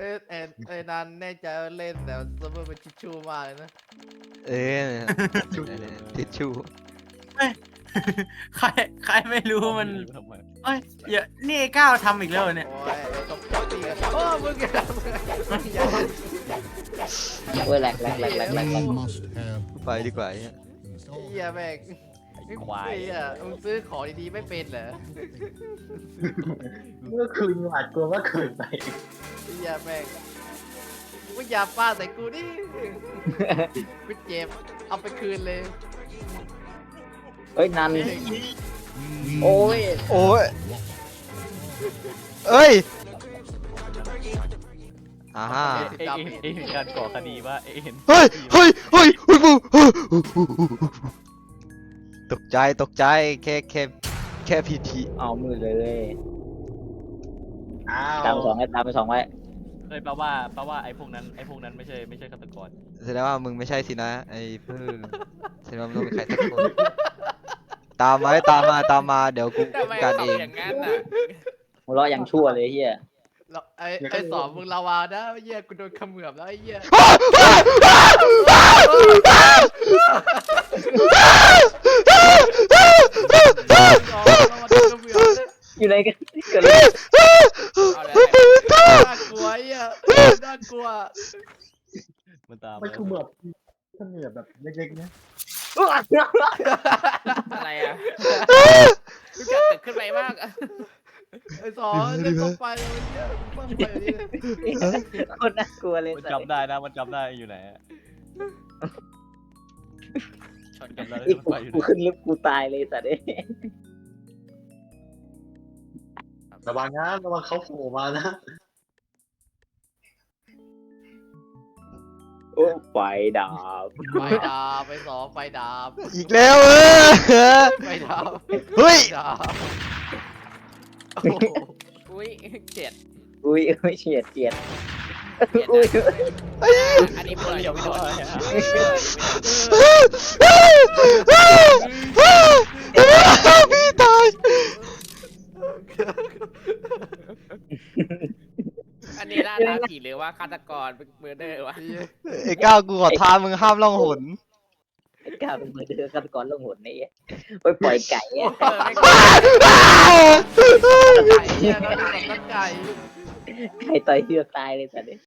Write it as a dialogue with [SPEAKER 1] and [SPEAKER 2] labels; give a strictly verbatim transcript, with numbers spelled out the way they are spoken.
[SPEAKER 1] เอ้ยเอ้ยเอ้ยนันแน่ใจว่าเล่นแต่เซิร์ฟเวอร์เป็นทิชชู่มากเลยนะ
[SPEAKER 2] เออทิชชู่
[SPEAKER 3] ใครใครไม่รู้มัน
[SPEAKER 4] ทำไม
[SPEAKER 3] เอ้ยอย่านี่ไอ้ก้าวทำอีกแล้วเหรอเนี่ย
[SPEAKER 1] โอ้ยตบโต๊ะตีกันโอ้มึงอย่ามึงอย่า
[SPEAKER 5] เว้ยแหลกแหลกแหลกแหลกแหลกแหลก
[SPEAKER 6] We must have
[SPEAKER 2] ไปดีกว่าเนี่ย
[SPEAKER 1] เฮียแม่ง
[SPEAKER 4] ไอ้ควาย
[SPEAKER 1] เฮียมึงซื้อของดีๆไม่เป็นเหรอ
[SPEAKER 7] เมื่อคืนหวาดกลัวว่าคืนไป
[SPEAKER 1] เฮียแม่งมึงอย่าป้าใส่กูดิกูเจ็บเอาไปคืนเลย
[SPEAKER 5] เฮ้ยนันโอ้ย
[SPEAKER 2] โอ้ยเอ้ยอ่าฮะ
[SPEAKER 4] เอ็งเอ็งเห็นการก่อคดีว่าเอ็งเห็น
[SPEAKER 2] เฮ้ยเฮ้ยเฮ้ยเฮ้ยบูตกใจตกใจแค่แค่แค่พีที
[SPEAKER 5] เอามือเลย
[SPEAKER 7] อ้าว
[SPEAKER 5] ตามไปสองไว้ตามไปสองไว้
[SPEAKER 4] เลยแปลว่าแปลว่าไอ้พวกนั้นไอ้พวกนั้นไม่ใช่ไม่ใช่ฆาตกร
[SPEAKER 2] แสดงว่ามึงไม่ใช่สินะไอ้เพื่อนแสดงว่ามึงต้องเป็นใครสักคนตามมาตามมาตามมาเดี๋ยวกู
[SPEAKER 8] ทำไม
[SPEAKER 2] กัน
[SPEAKER 8] เขา
[SPEAKER 2] เอง
[SPEAKER 8] อย่างนั้นอ่ะ
[SPEAKER 5] หัวเราะอย่างชั่วเลยเฮีย
[SPEAKER 1] แล้วไอ้ไอ้สอนมึงลาวานะไอ้เหี้ยกูโดนเขมือบแล้วไอ้เหี้ยสอนเราโดนเขมือบ
[SPEAKER 5] อยู่ไหนกันเกิดอะไร
[SPEAKER 8] เอาเลย
[SPEAKER 1] น่ากลัวไอ้เหี้ยน่ากลัว
[SPEAKER 4] มันตาม
[SPEAKER 7] ไม่คือแบบถ้าเหนือแบบเล็กๆเนี่ย
[SPEAKER 8] อะไรอ่ะรู้จักตึกขึ้นไปมากอะ
[SPEAKER 1] ไอ้สอนเล่นต้องไปเลยไอ้เหี้ยต้องไปเลย
[SPEAKER 5] คนน่ากลัวเลย
[SPEAKER 4] มัน
[SPEAKER 5] สัตว์
[SPEAKER 4] จำได้นะมันจำได้อยู่ไหนอะ
[SPEAKER 8] ชนกัน
[SPEAKER 4] จำได้
[SPEAKER 5] อีก
[SPEAKER 4] มัน
[SPEAKER 5] กู
[SPEAKER 4] ไปอยู่ไหน
[SPEAKER 5] กูขึ้นลิฟต์กูตายเลยสัตว์เอ้ย
[SPEAKER 7] ระวังนะระวังเขาโผล่มานะ
[SPEAKER 5] โอ้ไฟดับ
[SPEAKER 1] ไฟดาบไปสองไฟดาบ
[SPEAKER 2] อีกแล้วเออ
[SPEAKER 1] ไฟดาบ
[SPEAKER 2] เฮ้ย
[SPEAKER 1] ไฟดาบโอ้โห
[SPEAKER 8] อุ้ยเจ็ด
[SPEAKER 5] อุ้ยอุ้ยเฉียดเฉียด
[SPEAKER 8] เจ็ด
[SPEAKER 5] อุ้ย
[SPEAKER 8] อันนี้เปิดยังไม่โดน
[SPEAKER 2] พี่ตาย
[SPEAKER 8] อันนี้ล่าท้าผีหรือว่าฆาตกรเมอร์เดอร์วะ
[SPEAKER 2] ไอ้ก้าวกูขอท้ามึงห้ามล่องหน
[SPEAKER 5] ไอ้ก้าวเป็นมือเดือฆาตกรล่องหนนี่ไปปล่อยไก่อะ
[SPEAKER 8] เออไม่
[SPEAKER 1] ไก่เนี่ยนะนี่แบบนักไก่
[SPEAKER 5] ไก่ต่อยเฮือกตายเลยสัตว์เอ้ย